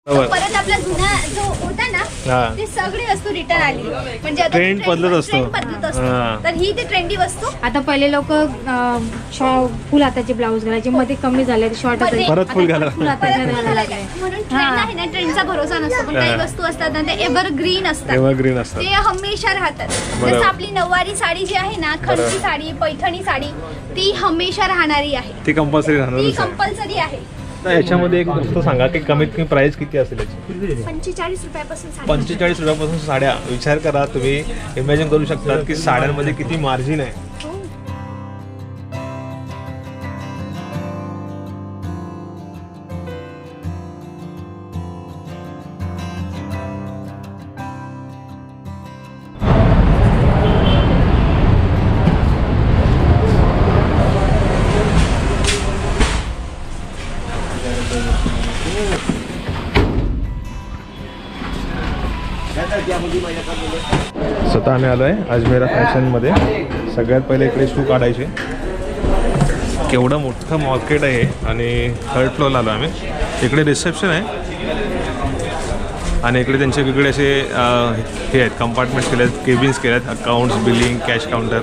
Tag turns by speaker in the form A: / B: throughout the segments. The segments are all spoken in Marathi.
A: परत आपला जुना जो होता ना ते सगळी वस्तू रिटर्न आली. म्हणजे आता
B: ट्रेंड बदलत असतो.
A: तर ही ते ट्रेंडी वस्तू.
C: आता पहिले लोक फुल हाताचे ब्लाऊज घालायचे, मध्ये कमी झाले शॉर्ट
B: परत फुल घाला.
A: म्हणून ट्रेंड आहे ना, ट्रेंडचा भरोसा नसतो. पण काही वस्तू असतात ना ते एव्हरग्रीन असतात, ते हमेशा राहतात. जसं आपली नऊवारी साडी जी आहे ना, खणची साडी, पैठणी साडी, ती हमेशा राहणारी आहे.
B: ती
A: कंपल्सरी आहे.
B: तर याच्यामध्ये एक गोष्ट सांगा की कमीत कमी प्राइस किती असेल याची?
A: 45 रुपयापासून
B: 45 रुपयापासून साड्या. विचार करा, तुम्ही इमॅजिन करू शकता की साड्यांमध्ये किती मार्जिन आहे. स्वतः आम्ही आलो आहे अजमेरा फॅशनमध्ये. सगळ्यात पहिले इकडे शू काढायचे. केवढं मोठं मार्केट आहे आणि थर्ड फ्लोअरला आलो आम्ही. इकडे रिसेप्शन आहे आणि इकडे त्यांचे वेगवेगळे असे हे आहेत, कंपार्टमेंट्स केले आहेत, केबिन्स केले आहेत, अकाउंट्स, बिलिंग, कॅश काउंटर.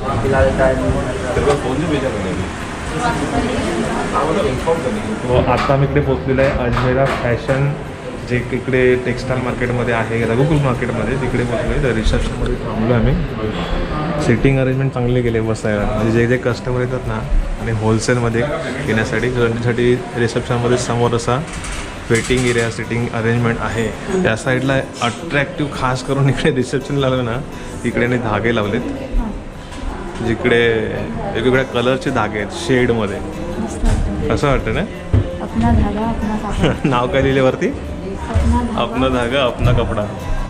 B: आता आम्ही इकडे पोचलेलो आहे अजमेरा फॅशन, जे इकडे टेक्स्टाईल मार्केटमध्ये आहे, रघुकुल मार्केटमध्ये. तिकडे पोचलो तर रिसेप्शनमध्ये थांबलो आम्ही. सिटिंग अरेंजमेंट चांगले केले बसायला. म्हणजे जे कस्टमर येतात ना आणि होलसेलमध्ये घेण्यासाठी, त्यांच्यासाठी रिसेप्शनमध्ये समोर असा वेटिंग एरिया, सिटिंग अरेंजमेंट आहे. त्या साईडला अट्रॅक्टिव्ह खास करून इकडे रिसेप्शन लावलं ना, इकडे धागे लावलेत, जिकडे वेगवेगळ्या कलरचे धागे आहेत शेडमध्ये. असं वाटतं ना. नाव काय लिहिले वरती? अपना धागा अपना कपडा.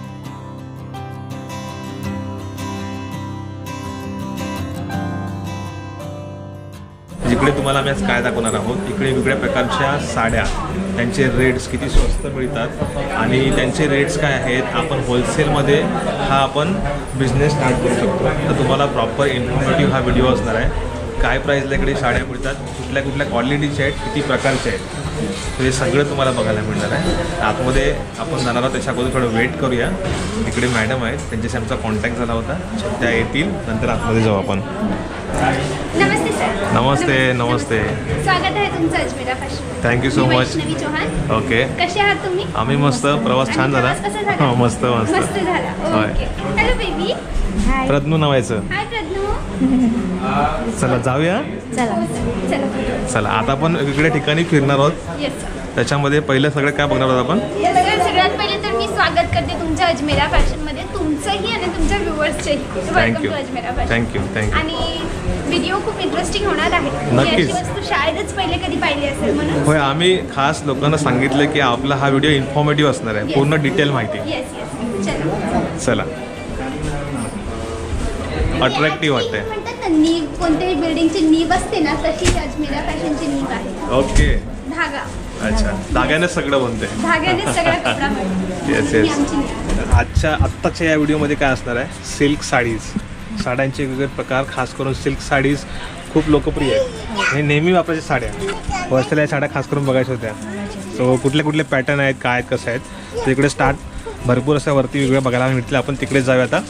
B: जिकडे तुम्हाला आम्ही आज काय दाखवणार आहोत, इकडे वेगवेगळ्या प्रकारच्या साड्या, त्यांचे रेट्स किती स्वस्त मिळतात आणि त्यांचे रेट्स काय आहेत. आपण होलसेलमध्ये हा आपण बिझनेस स्टार्ट करू शकतो. तर तुम्हाला प्रॉपर इन्फॉर्मेटिव्ह हा व्हिडिओ असणार आहे. काय प्राईजला इकडे साड्या मिळतात, कुठल्या कुठल्या क्वालिटीच्या आहेत, किती प्रकारच्या आहेत, हे सगळं तुम्हाला बघायला मिळणार आहे. आतमध्ये आपण जाणार आहोत, त्याच्या अगोदर थोडं वेट करूया. इकडे मॅडम आहेत, त्यांच्याशी आमचा कॉन्टॅक्ट झाला होता. त्या येतील, नंतर आतमध्ये जाऊ आपण.
A: नमस्ते सर.
B: नमस्ते. नमस्ते.
A: स्वागत आहे तुमचं Ajmera Fashion.
B: Thank you so much.
A: Chauhan.
B: Okay.
A: कसे आहात तुम्ही?
B: आम्ही मस्त. प्रवास छान झाला. हो, मस्त मस्त
A: मस्त झाला. ओके. Hello baby.
B: प्रज्ञू नावायचं.
A: हाय प्रज्ञू.
B: चला जाऊया. चला आता आपण वेगवेगळ्या ठिकाणी फिरणार आहोत. त्याच्यामध्ये पहिलं सगळं काय बघणार आहोत आपण?
A: सगळ्यात पहिले तर मी स्वागत करते तुमच्या अजमेरा फॅशनमध्ये, तुमचंही आणि तुमच्या व्ह्युअर्सचंही. Welcome to Ajmera Fashion.
B: Thank you.
A: आणि व्हिडिओ खूप इंटरेस्टिंग होणार आहे.
B: नक्कीच.
A: अशी वस्तू शाळेतच पहिले कधी पाहिली असेल म्हणून.
B: होय, आम्ही खास लोकांना सांगितलं की आपला हा व्हिडिओ इन्फॉर्मेटिव्ह असणार आहे. पूर्ण डिटेल माहिती.
A: येस.
B: चला. अट्रॅक्टिव्ह वाटतंय.
A: म्हणतात ना, नीव कोणत्याही बिल्डिंगची नीव असते ना, तशी अजमेरा फॅशनची नीव आहे.
B: ओके.
A: धागा.
B: अच्छा, धाग्याने सगळं बनते.
A: धाग्याने सगळा कपडा बनतो.
B: येस. आत्ताच्या या व्हिडिओमध्ये काय असणार आहे? सिल्क साडीज. साड्यांचे वेगवेगळे प्रकार, खास करून सिल्क साडीज खूप लोकप्रिय आहेत. हे नेहमी वापरायच्या साड्या. वर्षाला या साड्या खास करून बघायच्या होत्या. सो कुठले कुठले पॅटर्न आहेत, काय आहेत, कसं आहेत, तर इकडे स्टार्ट भरपूर अशा वरती वेगवेगळ्या बघायला मिळतील. आपण तिकडेच जाऊया आता.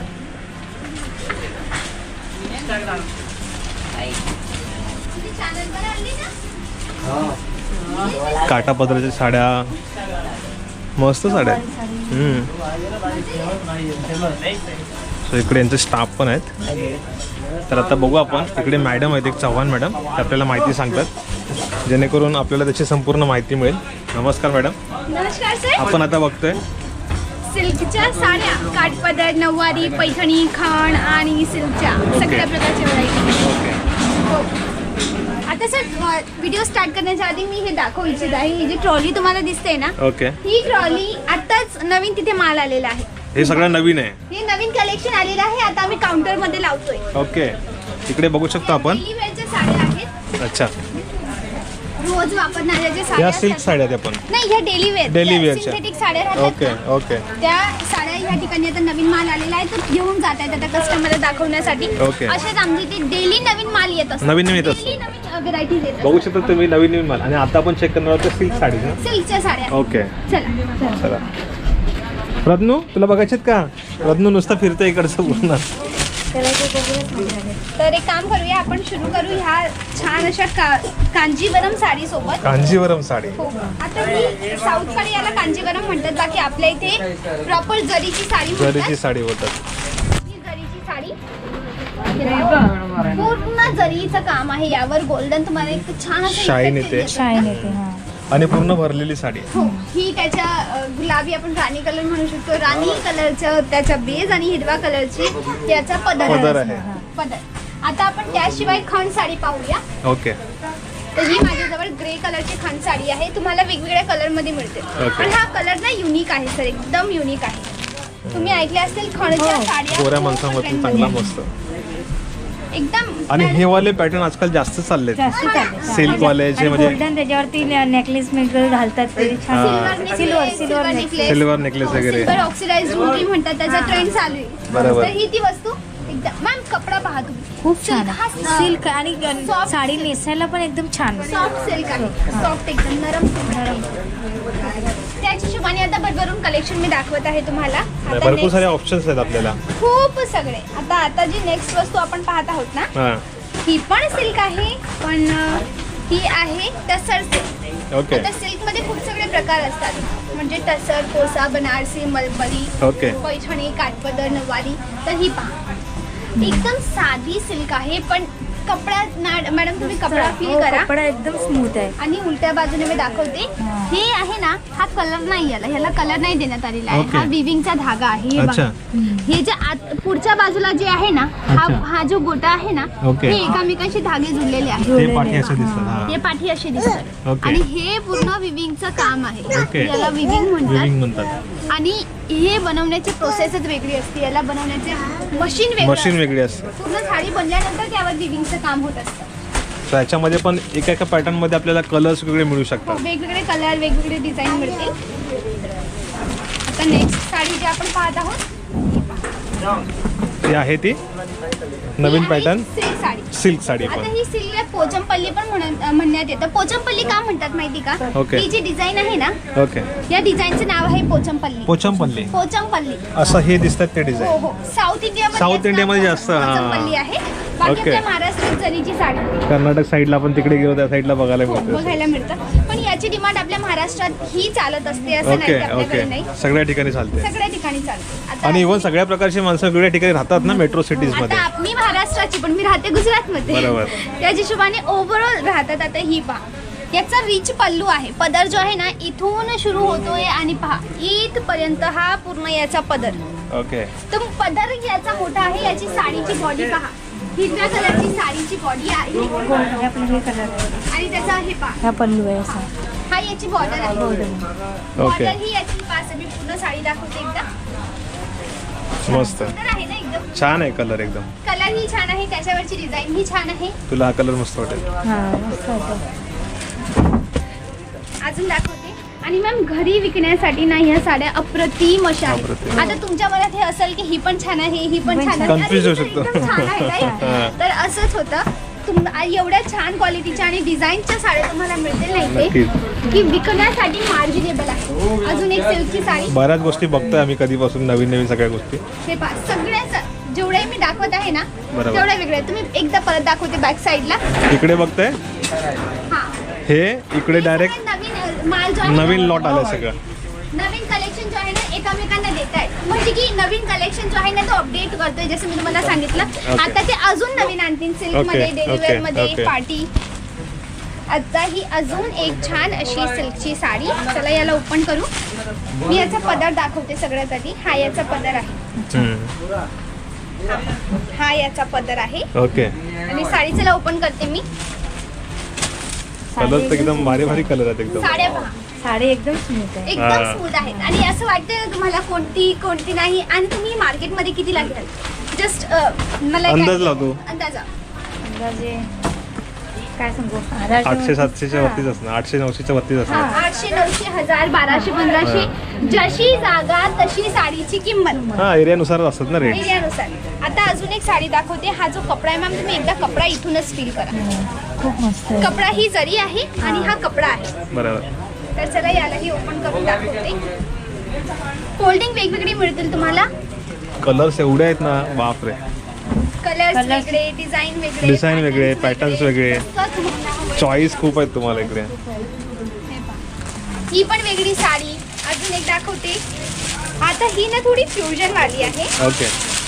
B: काटा पदराच्या साड्या, मस्त साड्या. सो इकडे यांचे स्टाफ पण आहेत. तर आता बघू आपण. इकडे मॅडम आहेत, एक चव्हाण मॅडम, ते आपल्याला माहिती सांगतात, जेणेकरून आपल्याला त्याची संपूर्ण माहिती मिळेल. नमस्कार मॅडम.
A: नमस्कार सर.
B: आपण आता बघतोय
A: सिल्कच्या साड्या, काठपदर, नऊवारी, पैठणी, खण आणि सिल्कच्या सगळ्या प्रकारच्या व्हरायटी. हो. आता सर व्हिडिओ स्टार्ट करण्याच्या आधी मी हे दाखवू इच्छित आहे. ही जी ट्रॉली तुम्हाला दिसते ना,
B: ओके,
A: ही ट्रॉली आताच नवीन तिथे माल आलेला आहे.
B: हे सगळं नवीन आहे.
A: हे नवीन कलेक्शन आलेलं आहे. आता आम्ही काउंटर मध्ये लावतोय.
B: ओके. इकडे बघू शकतो आपण.
A: डेली वेअरच्या साड्या आहेत.
B: अच्छा.
A: रोज वापरणाऱ्या ज्या
B: या
A: साड्या
B: सिल्क साड्या आहेत आपण.
A: नाही, ह्या डेली वेअरच्या सिंथेटिक साड्या राहतात.
B: Okay okay.
A: त्या साड्या ह्या ठिकाणी आता नवीन माल आलेला आहे, तर घेऊन जात आहेत आता कस्टमरला दाखवण्यासाठी.
B: ओके.
A: असेच आमची ते डेली नवीन माल येत असतो.
B: नवीन येत
A: Daily नवीन व्हेरायटीज येतात.
B: बघू शकता तुम्ही नवीन माल. आणि आता आपण चेक करणार आहोत सिल्क साडी ना.
A: सिल्कच्या साड्या.
B: ओके
A: चला
B: चला. रत्नू तुला बघायचे का? रत्नू नुसतं फिरते इकडचं पूर्ण.
A: तर एक काम करूया, आपण सुरू करू ह्या छान अशा कांजीवरम साडी सोबत.
B: कांजीवरम साडी.
A: हो. आता ही साऊथ कडे याला कांजीवरम म्हणतात, बाकी आपल्या इथे प्रॉपर जरीची साडी
B: जरीची
A: म्हणतात.
B: साडी बोलतात.
A: ही जरीची साडी पूर्ण जरीचं काम आहे, यावर गोल्डन तुम्हाला एक छान असं
B: शाईन
A: effect
B: येते.
A: येतं.
C: शाईन येते. हा.
B: आणि पूर्ण भरलेली साडी.
A: हो. ही त्याच्या गुलाबी आपण राणी कलर म्हणू शकतो. राणी कलरचं त्याचा बेज आणि हिरवा कलरची याचा
B: पदर आहे.
A: पदर. आता आपण त्याशिवाय खण साडी पाहूया.
B: ओके.
A: तर ही माझ्याजवळ ग्रे कलरची खण साडी आहे. तुम्हाला वेगवेगळ्या कलर मध्ये मिळते.
B: Okay.
A: पण हा कलर ना युनिक आहे सर, एकदम युनिक आहे. तुम्ही ऐकले असतील खणच्या साड्या
B: गोऱ्या
A: खूप
B: माणसामध्ये
A: trend
B: चांगला
A: मध्ये.
B: मस्त.
A: एकदम.
B: आणि हे वाले पॅटर्न आजकाल जास्त चाललेत.
C: जास्त चालते.
B: सिल्क वाले जे म्हणजे
C: गोल्डन त्याच्यावरती नेकलेस घालतात ते छान. सिल्वर
A: नेकलेस,
B: सिल्वर नेकलेस वगैरे.
A: सिल्वर ऑक्सिडाइज ज्वेलरी म्हणतात, त्याचा ट्रेंड चालू आहे.
B: बरोबर.
A: तर ही ती वस्तू एकदम. मॅम कपडा पहा तुम्ही,
C: खूप छान
A: Silk
C: आहे.
A: हा
C: सिल्क आणि
A: soft
C: साडी
A: silk.
C: नेसायला पण एकदम छान.
A: सॉफ्ट सिल्क आहे, सॉफ्ट एकदम नरम त्याच्या हिशोबाने आता भरभरून कलेक्शन मी दाखवत आहे तुम्हाला. आता
B: भरपूर
A: next
B: सारे ऑप्शन्स आहेत आपल्याला.
A: खूप सगळे. आता जी नेक्स्ट वस्तू आपण पाहत आहोत ना,
B: हा.
A: ही पण सिल्क आहे, पण ही आहे टसर सिल्क.
B: ओके.
A: आता सिल्क मध्ये खूप सगळे प्रकार असतात, म्हणजे टसर, कोसा, बनारसी, मलबरी,
B: ओके.
A: पैठणी, काठपदर, नऊवारी. तर ही पहा, एकदम साधी सिल्क आहे, पण कपडा मॅडम तुम्ही कपडा फील
C: हो,
A: करा.
C: कपडा एकदम स्मूथ आहे.
A: आणि उलट्या बाजूने मी दाखवते.
C: हा.
A: हे आहे ना, हा कलर नाही आला, ह्याला कलर नाही देण्यात आलेला आहे.
B: ओके.
A: हा विविंगचा धागा आहे. हे
B: अच्छा.
A: बघा. हे जे पुढच्या बाजूला जे आहे ना,
B: अच्छा.
A: हा जो गोटा आहे ना,
B: ओके.
A: हे एकामेकांशी धागे जुळलेले आहेत.
B: ते पाठी असे दिसतात. हा.
A: हे पाठी असे दिसतात.
B: ओके.
A: आणि हे पूर्ण विविंगचं काम आहे.
B: ओके.
A: याला विविंग
B: विविंग
A: म्हणतात.
B: म्हणतात.
A: आणि हे बनवण्याची प्रोसेसच वेगळी असते, याला बनवण्याचे मशीन
B: मशीन
A: वेगळं
B: वेगळी असते.
A: असतं. पूर्ण साडी बनल्यानंतर त्यावर विविंगचं काम होत असतं.
B: तर याच्यामध्ये पण एका पॅटर्न मध्ये आपल्याला कलर्स वेगळे मिळू
A: हो,
B: शकतात.
A: वेगवेगळे कलर, वेगवेगळे डिझाईन मिळतील. आता नेक्स्ट साडी जी आपण पाहत आहोत
B: ती आहे ती नवीन pattern
A: silk sari.
B: Silk sari
A: आता
B: पण.
A: ही सिल्कला पोचमपल्ली पण म्हणण्यात येतं. पोचमपल्ली का म्हणतात माहिती का?
B: ओके.
A: ही जी डिझाईन आहे ना,
B: ओके.
A: या डिझाईनचं नाव आहे पोचमपल्ली.
B: पोचमपल्ली.
A: पोचमपल्ली.
B: असं हे दिसतात ते
A: हो
B: डिझाईन.
A: हो. साऊथ इंडियामध्ये
B: साऊथ इंडियामध्ये जास्त, हा.
A: पोचमपल्ली आहे. बाकी
B: ओके.
A: आपल्या महाराष्ट्रात जरीची साडी
B: कर्नाटक साईडला आपण तिकडे गेलो त्या साईडला बघायला
A: हो,
B: मिळते.
A: बघायला मिळतं. पण याची डिमांड आपल्या महाराष्ट्रात ही चालत असते, असं नाही
B: ओके
A: की आपल्याकडे
B: ओके.
A: नाही.
B: सगळ्या ठिकाणी चालते.
A: सगळ्या ठिकाणी चालते. आता
B: आणि इव्हन सगळ्या प्रकारची माणसं वेगळ्या ठिकाणी राहतात ना मेट्रो सिटीज मध्ये.
A: आता मी महाराष्ट्राची, पण मी राहते गुजरातमध्ये.
B: बरोबर.
A: त्या हिशोबाने ओव्हरऑल राहतात. आता ही पहा, याचा रिच पल्लू आहे. पदर जो आहे ना, इथून सुरू होतोय आणि पहा इथपर्यंत हा पूर्ण याचा पदर.
B: ओके.
A: तर पदर याचा मोठा आहे. याची साडीची बॉडी पहा, हिरव्या कलरची साडीची बॉडी आहे.
C: हे आपलं हे कलर
A: आणि त्याचा हे पहा,
C: हा पल्लू आहे असा.
A: हा याची बॉर्डर आहे.
B: ओके.
A: बॉर्डर ही याची पास मी पूर्ण साडी दाखवते एकदा.
B: मस्त
A: सुंदर आहे ना एकदम.
B: छान आहे कलर एकदम.
A: कलर ही छान आहे, त्याच्यावरची डिझाईन ही छान आहे.
B: तुला हा कलर मस्त वाटेल.
C: हा मस्त होतं.
A: अजून दाखवते. आणि मॅम घरी विकण्यासाठी ना ह्या साड्या अप्रतिम अशा
B: अप्रतिम.
A: आहेत. आता तुमच्या मनात हे असेल की ही पण छान आहे, ही पण छान आहे.
B: Confuse होऊ
A: अरे,
B: शकतो.
A: एकदम छान आहे, right?
B: हा.
A: तर असंच होतं. एवढ्या छान क्वालिटीच्या आणि डिझाईनच्या साड्या तुम्हाला मिळतील नाही ते
B: नक्कीच.
A: की विकण्यासाठी मार्जिनेबल आहे. अजून एक सिल्कची साडी.
B: बऱ्याच गोष्टी बघतोय आम्ही कधीपासून, नवीन नवीन सगळ्या गोष्टी.
A: हे पहा, सगळ्याच जेवढे मी दाखवत आहे ना,
B: बरोबर.
A: तेवढ्या वेगळ्या. तुम्ही एकदा परत दाखवते बॅक साईडला.
B: इकडे बघताय
A: हा,
B: हे इकडे
A: हे
B: डायरेक्ट
A: सगळं नवीन माल जो आहे ना,
B: नवीन लॉट आलं सगळं.
A: नवीन कलेक्शन जो आहे ना एकमेकांना देत आहेत. म्हणजे की नवीन कलेक्शन जो आहे ना तो अपडेट करतोय, जसं मी तुम्हाला सांगितलं. आता ते अजून नवीन आणतील सिल्क मध्ये,
B: ओके,
A: डेली
B: ओके,
A: वेअर मध्ये,
B: ओके.
A: पार्टी. आता ही अजून एक छान अशी सिल्कची साडी. चला याला ओपन करू. मी याचा पदर दाखवते सगळ्यात आधी. हा याचा पदर आहे. हा याचा पदर आहे.
B: ओके.
A: आणि साडी चला ओपन करते मी.
B: कलर तर एकदम भारी भारी कलर आहेत एकदम.
A: साड्या पहा,
C: साडी एकदम स्मूथ आहे.
A: एकदम
B: हा.
A: स्मूथ आहेत. आणि असं वाटतं तुम्हाला कोणती नाही. आणि तुम्ही मार्केटमध्ये किती लागेल जस्ट मला
B: अंदाज लावतो.
A: अंदाजा
C: अंदाजे काय सांगू
B: 800-700च्या वरतीच असणार, 800-900च्या वरतीच असणार.
A: 800, 900, 1000, 1200, 1500 जशी जागा तशी साडीची किंमत
B: हा एरियानुसार असतात ना रेट.
A: एरियानुसार. आता अजून एक साडी दाखवते. हा जो कपडा आहे मॅम, तुम्ही एकदा कपडा इथूनच फील करा.
C: खूप मस्त आहे.
A: कपडा ही जरी आहे आणि हा कपडा आहे.
B: बरोबर.
A: तर चला यालाही ओपन करून दाखवते. फोल्डिंग वेगवेगळी मिळतील तुम्हाला.
B: कलर्स एवढे आहेत ना, बापरे.
A: कलर्स वेगळे, डिझाईन
B: वेगळे, पॅटर्न्स वेगळे, चॉईस खूप आहेत तुम्हाला इकडे.
A: ही पण वेगळी साडी. अजून एक दाखवते. आता ही ना थोडी फ्युजन वाली आहे.
B: ओके.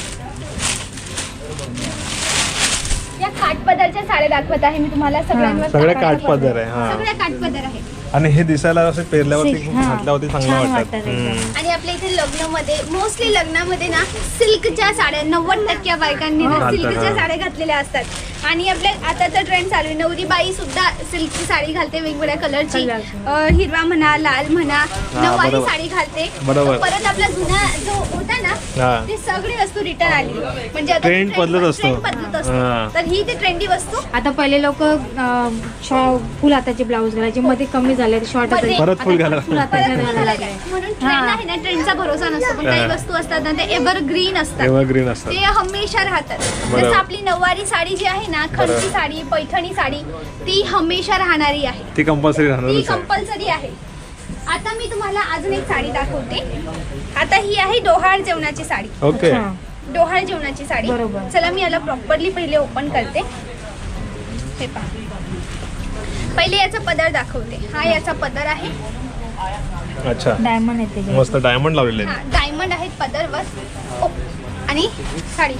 A: या काठपदरच्या साड्या दाखवत आहे मी तुम्हाला. सगळ्यांवर
B: सगळ्या काठपदर आहे. हा
A: सगळ्या काठपदर आहे.
B: आणि हे दिसायला असं पेरल्यावरती
C: हा.
B: घातल्यावरती चांगलं
C: छान
B: वाटतात.
C: वाटतं.
A: आणि आपल्या इथे लग्नामध्ये मोस्टली लग्नामध्ये ना सिल्कच्या साड्या 90% बायकांनी ना
B: घालतात,
A: सिल्कच्या
B: हा.
A: साड्या घातलेल्या असतात. आणि आपल्या आता तर ट्रेंड चालू आहे. नवरी बाई सुद्धा सिल्कची साडी घालते वेगवेगळ्या कलरची. हिरवा म्हणा, लाल म्हणा, नऊवारी
B: बरोबर.
A: साडी घालते.
B: बरोबर.
A: तर परत आपला जुना जो होता ना
B: हा.
A: ती सगळी वस्तू रिटर्न आली. म्हणजे आता
B: Trend बदलत असतो.
A: trend बदलत असतो.
B: हा.
A: तर ही ती ट्रेंडी वस्तू.
C: आता पहिले लोक फुल हाताचे ब्लाऊज घालायचे, मध्ये कमी झाले शॉर्ट
A: मध्ये-
B: परत फुल घाला.
C: फुल हाताचे
A: परत
C: घालायला
A: घालायला
C: लागले.
A: लागले. म्हणून ट्रेंड आहे ना, ट्रेंडचा भरोसा नसतो. पण काही
B: हा.
A: वस्तू असतात ना ते एव्हरग्रीन असतात.
B: एव्हरग्रीन असतात.
A: ते हमेशा राहतात.
B: बरोबर.
A: जसं आपली नऊवारी साडी जी आहे ना, खणची साडी, पैठणी साडी, ती हमेशा राहणारी आहे.
B: ती कंपल्सरी
A: ती
B: राहणारच आहे.
A: कंपल्सरी आहे. आता मी तुम्हाला अजून एक साडी दाखवते. आता ही आहे डोहाळ जेवणाची साडी.
B: ओके.
C: अच्छा.
A: डोहाळ जेवणाची साडी.
C: बरोबर.
A: चला मी याला प्रॉपरली पहिले ओपन करते. हे पहा. पहिले याचा पदर दाखवते. हा याचा पदर आहे.
B: अच्छा.
C: डायमंड आहे त्याच्यावर.
B: मस्त डायमंड लावलेले
A: हा,
B: आहेत.
A: डायमंड आहेत पदरवर. आणि साडी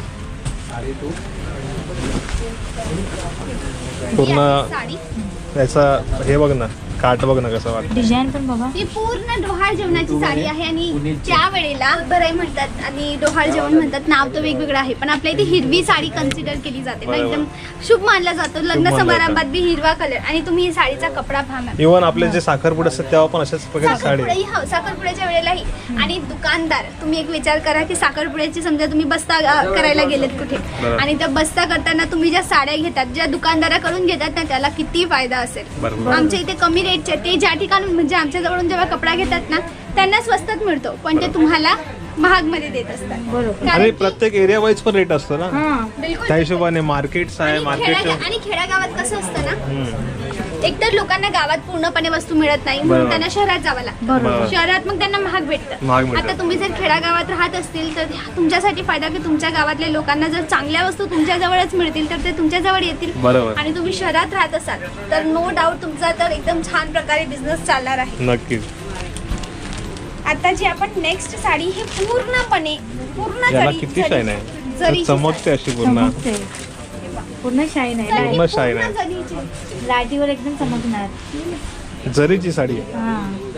B: पूर्ण
A: साडी
B: याचा हे बघ ना, काठ बघ ना कसं वाटतं.
C: डिझाईन पण बघा.
A: ही पूर्ण डोहाळ जेवणाची साडी आहे. आणि त्या वेळेला बराई म्हणतात आणि डोहाळ जेवण म्हणतात. नाव तर वेगवेगळं आहे, पण आपल्या इथे हिरवी साडी कन्सिडर केली जाते ना.
B: बरोबर.
A: एकदम शुभ मानला जातो. लग्न
B: मानला
A: समारंभात बी हिरवा कलर. आणि तुम्ही ही साडीचा कपडा पहा मॅम.
B: इव्हन आपले जे साखरपुडे असतात तेव्हा पण अशाच प्रकारची साडी.
A: साखरपुड्याही हो, साखरपुड्याच्या वेळेलाही. आणि दुकानदार, तुम्ही एक विचार करा की साखरपुड्याची समजा तुम्ही बस्ता करायला गेलेत कुठे,
B: बरोबर.
A: आणि त्या बस्ता करताना तुम्ही ज्या साड्या घेतात, ज्या दुकानदाराकडून घेतात ना, त्याला किती फायदा असेल.
B: बरोबर.
A: आमच्या इथे कमी रेटचे ते ज्या ठिकाणी म्हणजे आमच्या जवळून जेव्हा कपडा घेतात ना, त्यांना स्वस्तात मिळतो, पण ते तुम्हाला महाग मध्ये देत असतात.
C: बरोबर.
A: कारण
B: आणि
A: की-
B: प्रत्येक एरिया वाईज पण रेट असतो ना,
C: हा.
A: बिलकुल.
B: त्या हिशोबाने मार्केट्स आहे.
A: आणि
B: मार्केट
A: आणि खेड्यागावात कसं असतं ना, एकतर लोकांना गावात पूर्णपणे वस्तू मिळत नाही, म्हणून
B: बरोबर.
A: त्यांना शहरात जावं लागतं.
C: बरोबर.
A: शहरात मग त्यांना महाग
B: महाग
A: भेटतं.
B: भेटतं.
A: आता तुम्ही जर खेडागावात राहत असतील तर तुमच्यासाठी फायदा की तुमच्या गावातल्या लोकांना जर चांगल्या वस्तू तुमच्या जवळच मिळतील तर ते तुमच्या जवळ येतील.
B: बरोबर.
A: आणि तुम्ही शहरात राहत असाल तर नो डाऊट तुमचा तर एकदम छान प्रकारे बिझनेस चालणार आहे.
B: नक्कीच.
A: आता जी आपण नेक्स्ट साडी ही पूर्ण
B: याला
A: जरी-
B: किती शाईन आहे,
A: जरीची
B: चमकते अशी पूर्ण.
C: चमकते. पूर्ण शाईन आहे.
A: साडी.
B: पूर्ण शाईन
A: पूर्ण
B: आहे.
A: जरीची.
C: लाटीवर एकदम चमकणार.
B: जरीची साडी आहे.
C: हा.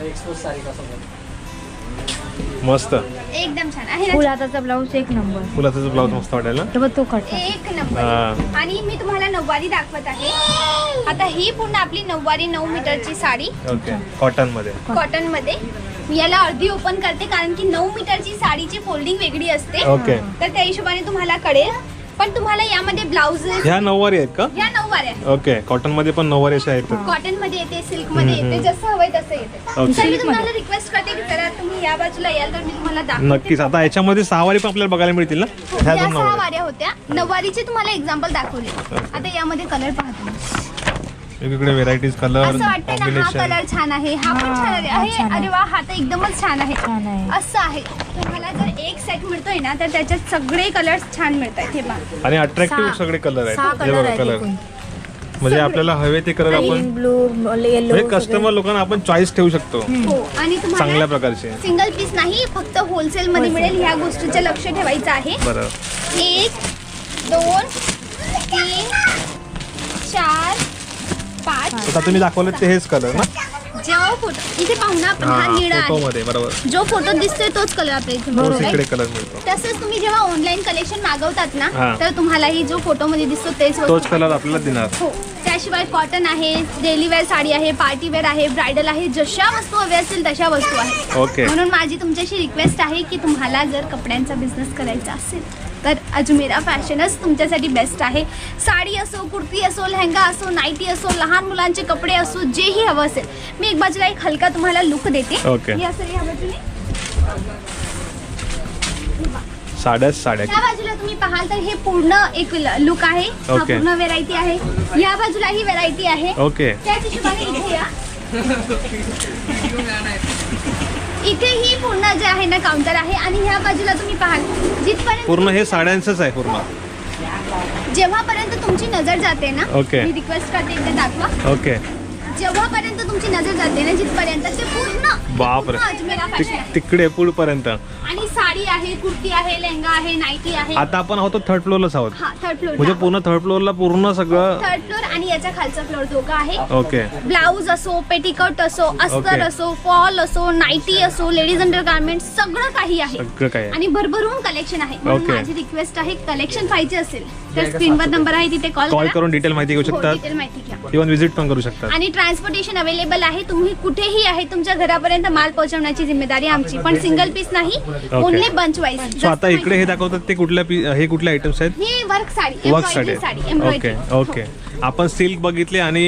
B: मस्त.
A: एकदम छान आहे
C: फुल
A: ना?
C: हाताचा ब्लाऊज एक नंबर.
B: फुलाचा ब्लाऊज मस्त वाटेल ना.
C: तर तो कट.
A: एक नंबर.
B: हा.
A: आणि मी तुम्हाला नऊवारी दाखवत आहे. आता ही पूर्ण आपली नऊवारी 9 मीटरची साडी
B: ओके. कॉटन मध्ये.
A: कॉटन मध्ये. मी याला अर्धी ओपन करते कारण की 9 मीटरची साडीची फोल्डिंग वेगळी असते.
B: ओके.
A: तर त्या हिशोबाने तुम्हाला कळेल. पण तुम्हाला यामध्ये ब्लाउज
B: ह्या नऊवारी आहेत का?
A: या नऊवाऱ्या आहेत.
B: ओके. कॉटन मध्ये पण नऊवारी अशा आहेत.
A: कॉटन मध्ये येते, सिल्क मध्ये येते, जसं हवंय तसं येते.
B: ओके.
A: तर मी तुम्हाला रिक्वेस्ट करते की जरा तुम्ही या बाजूला याल तर मी तुम्हाला दाखवते.
B: नक्कीच. आता याच्यामध्ये सहावारी पण आपल्याला बघायला मिळतील ना. ह्या
A: या
B: दोन
A: 6
B: नऊवारी.
A: वाऱ्या होत्या. नऊवारीचे तुम्हाला एक्झाम्पल दाखवले. आता यामध्ये कलर पाहतो.
B: वेगवेगळे व्हेरायटीज, कलर,
A: असं वाटतं ना हा
B: कॉम्बिनेशन.
A: कलर छान आहे, हा पण
C: हा,
A: छान
C: हा
A: आहे.
C: छान आहे.
A: अरे वा, हा तर एकदमच छान आहे.
C: छान आहे.
A: असं आहे. तुम्हाला जर एक सेट मिळतोय ना तर त्याच्यात सगळे कलर्स छान मिळतात. हे पहा.
B: आणि अट्रॅक्टिव्ह
C: सहा-
B: सगळे कलर
C: सहा
B: आहेत. हे
C: कलर
B: बघा
C: आहेत
B: कलर.
C: एकूण.
B: म्हणजे आपल्याला हवे ते कलर आपण
C: ग्रीन, ब्लू, येलो.
B: हे कस्टमर लोकांना आपण चॉईस ठेवू शकतो
A: हो. आणि
B: चांगल्या
A: तुम्हाला
B: प्रकारचे.
A: सिंगल पीस नाही, फक्त होलसेल मध्ये मिळेल. ह्या गोष्टीचं लक्ष ठेवायचं आहे.
B: बरं.
A: 1 2 3 4 5.
B: आता तुम्ही दाखवले ते हेच कलर ना
A: जेव्हा फोटो इथे पाहू ना आपण, हा निळा
B: फोटो
A: आहे.
B: मध्ये. बरोबर.
A: जो फोटो दिसतोय तोच कलर आपल्या इथे
B: तोच
A: मिळतोय.
B: इकडे कलर मिळतो.
A: तसंच तुम्ही जेव्हा ऑनलाईन कलेक्शन मागवतात ना
B: हा.
A: तर तुम्हालाही जो फोटो मध्ये दिसतो तेच
B: तोच कलर आपल्याला देणार.
A: हो. त्या त्याशिवाय कॉटन आहे, डेली वेअर साडी आहे, पार्टी वेअर आहे, ब्रायडल आहे, जशा वस्तू हव्या असतील तशा वस्तू आहेत.
B: ओके.
A: म्हणून माझी तुमच्याशी रिक्वेस्ट आहे की तुम्हाला जर कपड्यांचा बिझनेस करायचा असेल तर अजमेरा फॅशनच तुमच्यासाठी बेस्ट आहे. साडी असो, कुर्ती असो, लेहंगा असो, नाईटी असो, लहान मुलांचे कपडे असो, जेही हवं असेल. मी एक बाजूला एक हलका तुम्हाला लुक देते.
B: ओके.
A: या सर या बाजूने,
B: साड्या
A: या बाजूला तुम्ही पाहाल तर हे पूर्ण एक लुक आहे. हा
B: ओके.
A: पूर्ण व्हेरायटी आहे. या बाजूला ही व्हेरायटी आहे.
B: ओके.
A: त्याच हिशोबाने इथे या. इथे ही पूर्ण जे आहे ना काउंटर आहे आणि ह्या बाजूला तुम्ही पाहाल जिथपर्यंत
B: पूर्ण हे साड्यांचंच आहे पूर्ण.
A: जेव्हापर्यंत तुमची नजर जाते ना,
B: ओके.
A: मी रिक्वेस्ट करते एकदा दाखवा.
B: ओके.
A: जेव्हापर्यंत तुमची नजर जाते ना जिथपर्यंत ते पूर्ण
B: बापरे.
A: पूर्ण अजमेरा फॅशन आहे.
B: तिकडे पुढपर्यंत.
A: आणि साडी आहे, कुर्ती आहे, लेहंगा आहे, नाईटी आहे.
B: आता आपण आहोत थर्ड फ्लोअरलाच आहोत.
A: हा थर्ड फ्लोर
B: म्हणजे पूर्ण थर्ड फ्लोअरला पूर्ण सगळं.
A: थर्ड फ्लोर आणि याच्या खालचा फ्लोर दोघं आहे.
B: ओके.
A: ब्लाऊज असो, पेटिकोट असो, अस्तर
B: ओके.
A: असो, फॉल असो, नाईटी असो, लेडीज अंडर गार्मेंट सगळं काही आहे.
B: सगळं काय आहे.
A: आणि भरभरून कलेक्शन आहे. म्हणून
B: ओके.
A: माझी रिक्वेस्ट आहे कलेक्शन पाहिजे असेल तर स्क्रीनवर नंबर आहे तिथे
B: कॉल करून डिटेल माहिती घेऊ
A: हो,
B: शकतात.
A: डिटेल माहिती घ्या.
B: इव्हन व्हिजिट पण करू शकतात.
A: आणि ट्रान्सपोर्टेशन अवेलेबल आहे. तुम्ही कुठेही आहे तुमच्या घरापर्यंत माल पोहोचवण्याची जिम्मेदारी आमची. पण सिंगल पीस नाही, ओनली बंच वाईज.
B: सो आता इकडे हे दाखवतात ते हे कुठल्या आयटम्स आहेत?
A: ही work sari,
B: work
A: embroidery
B: sari.
A: Sari, embroidery.
B: Okay. Okay. आपण सिल्क बघितले आणि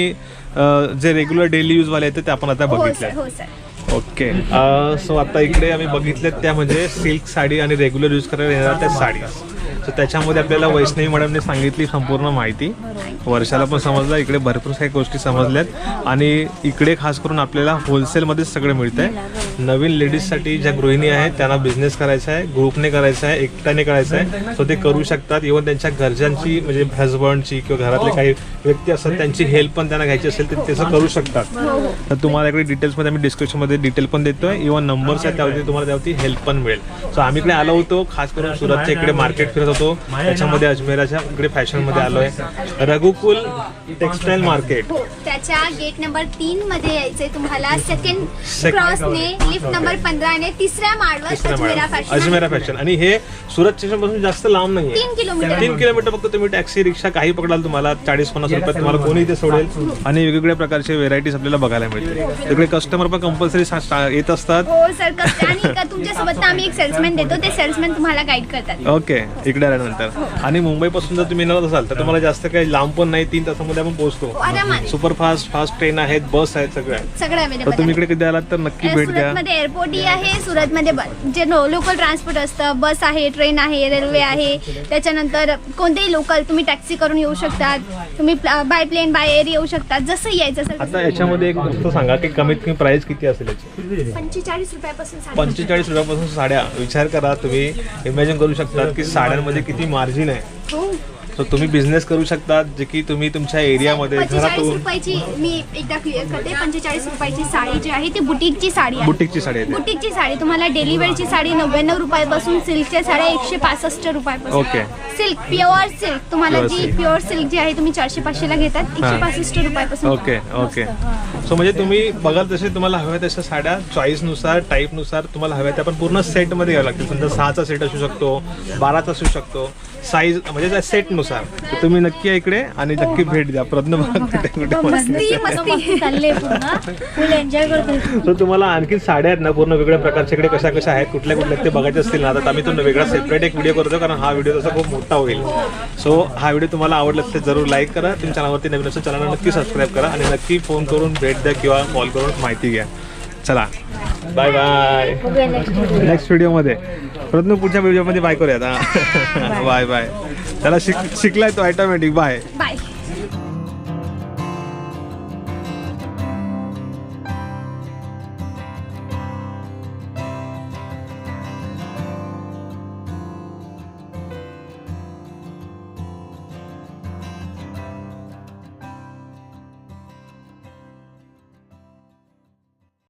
B: जे रेग्युलर डेली यूज वाले आहेत ते आपण आता
A: हो
B: बघितले.
A: सर, हो सर.
B: ओके. सो आता इकडे आम्ही बघितले त्या म्हणजे सिल्क साडी आणि रेग्युलर यूज करायला येणार त्या साडी. सो त्याच्यामध्ये आपल्याला वैष्णवी मॅडमने सांगितली संपूर्ण माहिती. वर्षाला पण समजलं, इकडे भरपूर काही गोष्टी समजल्यात. आणि इकडे खास करून आपल्याला होलसेलमध्येच सगळं मिळतं आहे. नवीन लेडीजसाठी ज्या गृहिणी आहेत त्यांना बिझनेस करायचा आहे, ग्रुपने करायचा आहे, एकट्याने करायचा आहे, सो ते करू शकतात. इव्हन त्यांच्या घरच्यांची म्हणजे हजबंडची किंवा घरातले काही व्यक्ती असतात त्यांची हेल्प पण त्यांना घ्यायची असेल तर त्याचं करू शकतात. तर तुम्हाला इकडे डिटेल्समध्ये आम्ही डिस्क्रिप्शनमध्ये डिटेल पण देतोय. इव्हन नंबर्स आहेत त्यावरती तुम्हाला त्यावरती हेल्प पण मिळेल. सो आम्ही इकडे आलो होतो खास करून सुरतच्या इकडे मार्केट फिरत होतो. त्याच्यामध्ये अजमेराच्या इकडे फॅशनमध्ये आलो आहे. Raghukul textile market.
A: हो, त्याच्या गेट नंबर 3 मध्ये यायचंय तुम्हाला. सेकंड क्रॉसने लिफ्ट नंबर 15 ने तिसऱ्या माळवर अजमेरा फॅशन.
B: अजमेरा फॅशन. आणि हे सुरत स्टेशन पासून जास्त लांब नाही.
A: 3 किलोमीटर.
B: 3 किलोमीटर फक्त. तुम्ही टॅक्सी रिक्षा काही पकडाल तुम्हाला 40-50 रुपयात तुम्हाला कोणी इथे सोडेल. आणि वेगवेगळ्या प्रकारचे व्हेरायटीज आपल्याला बघायला मिळतील. तिकडे कस्टमर पण कंपल्सरी येत असतात.
A: हो सर. आणि तुमच्यासोबत आम्ही एक सेल्समॅन देतो, ते सेल्समॅन तुम्हाला गाईड करतात.
B: ओके. इकडे आल्यानंतर. आणि मुंबईपासून जर तुम्ही येणार असाल तर तुम्हाला जास्त काही लांब पण नाही, 3 तासामध्ये आपण पोहोचतो.
A: आरामात.
B: सुपरफास्ट फास्ट ट्रेन आहेत, बस आहेत, सगळं
A: सगळं
B: तर
A: अवेलेबल
B: तुम्ही इकडे कधी आलात तर नक्की भेट द्या.
A: सुरतमध्ये एअरपोर्टही आहे. सुरतमध्ये जे लोकल ट्रान्सपोर्ट असतं, बस आहे, ट्रेन आहे, रेल्वे आहे. त्याच्यानंतर कोणतेही लोकल तुम्ही टॅक्सी करून येऊ शकतात. तुम्ही बाय प्लेन, बाय एअर येऊ शकतात. जसं यायचं असेल.
B: आता याच्यामध्ये एक गोष्ट सांगा की कमीत कमी प्राइस किती असेल याची?
A: 45 रुपयापासून
B: 45 रुपयापासून साड्या. विचार करा, तुम्ही इमॅजिन करू शकता की साड्यांमध्ये किती मार्जिन आहे.
A: हो.
B: तर तुम्ही बिझनेस करू शकता जे की तुम्ही तुमच्या एरियामध्ये
A: 45
B: घरातून.
A: रुपयाची मी एकदा क्लिअर करते. 45 रुपयाची साडी जी आहे ती बुटीकची साडी आहे.
B: बुटीकची साडी आहे.
A: बुटीकची साडी तुम्हाला डेली वेअरची साडी 99 रुपयापासून, सिल्कच्या साड्या 165 रुपयापासून.
B: ओके.
A: सिल्क प्युअर सिल्क तुम्हाला
B: Pure
A: जी
B: silk.
A: प्युअर सिल्क जी आहे तुम्ही 400-500 ला घेतात, 165 रुपयापासून.
B: ओके. ओके. सो म्हणजे तुम्ही बघाल तसे तुम्हाला हव्या तशा साड्या चॉईसनुसार, टाईपनुसार तुम्हाला हव्या त्या पण पूर्ण सेटमध्ये घ्यावं लागतील. समजा 6चा सेट असू शकतो, 12चा असू शकतो, साईज म्हणजे त्या सेटनुसार. तर तुम्ही नक्की या इकडे आणि नक्की भेट द्या. प्रयत्न
A: मस्ती
C: चालले पूर्ण फुल एन्जॉय करतो.
B: सो तुम्हाला आणखी साड्या आहेत ना पूर्ण वेगळ्या प्रकारच्या इकडे कशा कशा आहेत, कुठल्या कुठल्या ते बघायचे असतील ना तर आम्ही तो वेगळा सेपरेट एक व्हिडिओ करतो, कारण हा व्हिडिओ तसा खूप मोठा होईल. सो हा व्हिडिओ तुम्हाला आवडला असेल तर जरूर लाईक करा. तुमच्या चॅनलवरती नवीन असेल चॅनलला नक्की सबस्क्राईब करा आणि नक्की फोन करून भेट द्या किंवा कॉल करून माहिती घ्या. चला बाय बाय. नेक्स्ट व्हिडिओमध्ये प्रयत्न पुढच्या व्हिडिओमध्ये बाय करूयात. Bye bye. त्याला शिकलाय तो ऑटोमॅटिक. Bye
A: bye.